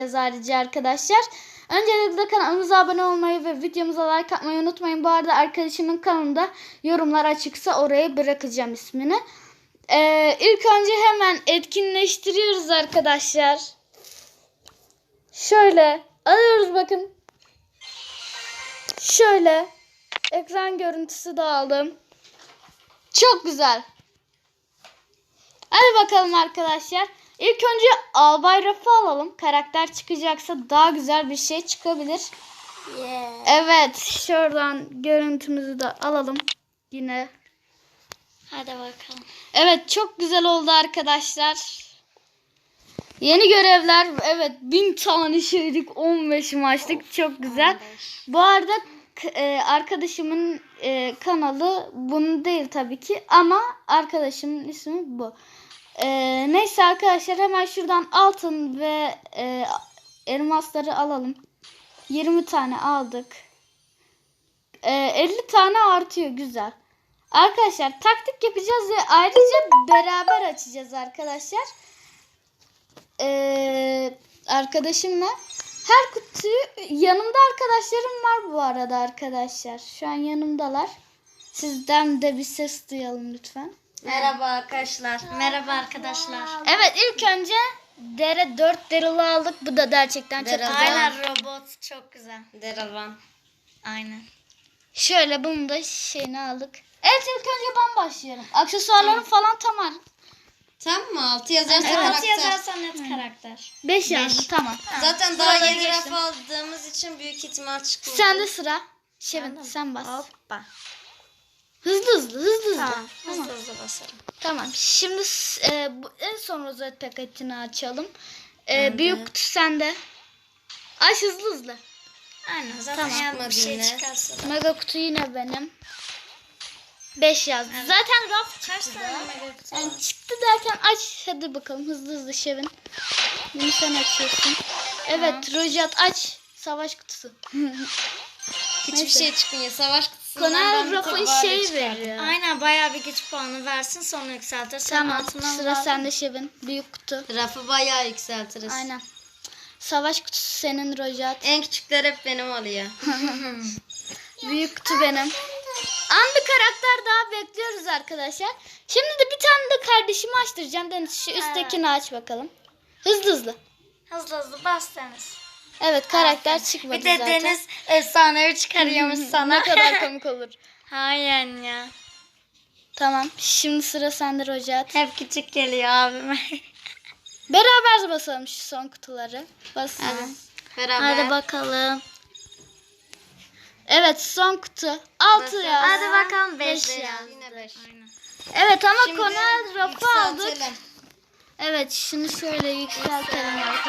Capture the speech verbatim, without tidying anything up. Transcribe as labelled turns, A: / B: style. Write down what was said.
A: Ayrıca arkadaşlar. Öncelikle kanalımıza abone olmayı ve videomuza like atmayı unutmayın. Bu arada arkadaşımın kanalında yorumlar açıksa oraya bırakacağım ismini. Ee, ilk önce hemen etkinleştiriyoruz arkadaşlar. Şöyle alıyoruz bakın. Şöyle ekran görüntüsü de aldım. Çok güzel. Hadi bakalım arkadaşlar. İlk önce Albay Raf'ı alalım. Karakter çıkacaksa daha güzel bir şey çıkabilir.
B: Yeah.
A: Evet. Şuradan görüntümüzü de alalım. Yine.
B: Hadi bakalım.
A: Evet. Çok güzel oldu arkadaşlar. Yeni görevler. Evet. Bin tane şeylik. on beş maçlık. Çok güzel.
B: on beş.
A: Bu arada e, arkadaşımın e, kanalı bunun değil tabii ki. Ama arkadaşımın ismi bu. Ee, neyse arkadaşlar hemen şuradan altın ve e, elmasları alalım. yirmi tane aldık. Ee, elli tane artıyor. Güzel. Arkadaşlar taktik yapacağız ve ayrıca beraber açacağız arkadaşlar. Ee, arkadaşımla. Her kutuyu yanımda arkadaşlarım var bu arada arkadaşlar. Şu an yanımdalar. Sizden de bir ses duyalım lütfen.
B: Merhaba arkadaşlar. Merhaba arkadaşlar.
A: Evet ilk önce dere dört Daryl'ı aldık. Bu da gerçekten çok güzel.
B: Aynen robot çok güzel. Daryl Van. Aynen.
A: Şöyle bunu da şeyini aldık. Evet ilk önce ben başlıyorum. Aksesuarlarım falan tamam.
C: Tam mı? altı yazarsa
B: Evet.
C: karakter.
B: yazarsan net karakter.
A: beş yazdı tamam.
C: Zaten daha
A: Sıraları
C: yeni
A: geçtim.
C: raf aldığımız için büyük ihtimal çıkmıyor.
A: Sende sıra. Şevin sen bas.
B: Hoppa.
A: Hızlı hızlı hızlı hızlı.
B: Tamam.
A: Tamam.
B: Hızlı hızlı basarım.
A: Tamam. Şimdi e, bu, en son rozet paketini açalım. E, büyük kutu sende. Aç hızlı hızlı.
B: Aynen. Zaten
A: Tamam.
B: eğer bir şey
C: Yine.
B: çıkarsa da.
A: Mega kutu yine benim. beş yazdı. Zaten raf
B: Kaç
A: çıktı
B: tane
A: da.
B: mega kutu
A: Yani
B: var?
A: çıktı derken aç. Hadi bakalım hızlı hızlı Şevin. Bunu sen açıyorsun. Evet Rojat aç. Savaş kutusu.
C: Hiçbir
A: Neyse.
C: şey çıkmıyor. Savaş kutusundan
A: Konar
C: ben bir
A: rafın
C: tabağıyla
A: şey
C: çıkardım.
A: veriyor.
B: Aynen bayağı bir güç puanı versin sonra yükseltir. Sen
A: Tamam
B: altından
A: sıra
B: al.
A: sende Şevin. Büyük kutu.
C: Rafı bayağı yükseltiriz.
A: Aynen. Savaş kutusu senin Rojat.
C: En küçükler hep benim oluyor.
A: Büyük kutu benim. An bir karakter daha bekliyoruz arkadaşlar. Şimdi de bir tane de kardeşimi açtıracağım. Deniz şu üsttekini aç bakalım. Hızlı hızlı.
B: Hızlı hızlı bas Deniz.
A: Evet karakter çıkmadı
B: Bir de
A: zaten.
B: Deniz efsanevi çıkarıyormuş sana.
A: Ne kadar komik olur.
B: Hayır ya.
A: Tamam. Şimdi sıra sende Rojat.
B: Hep küçük geliyor abime.
A: Beraber basalım şu son kutuları. Basalım.
C: Beraber.
B: Hadi bakalım.
A: Evet son kutu. altı
C: Basalım.
A: yaz.
B: Hadi bakalım beş
A: Beş
B: yaz.
A: yaz.
C: Yine beş.
A: Evet ama
C: Şimdi
A: Konel rafı aldık.
C: yükseltelim.
A: Evet şimdi şöyle yükseltelim arkadaşlar.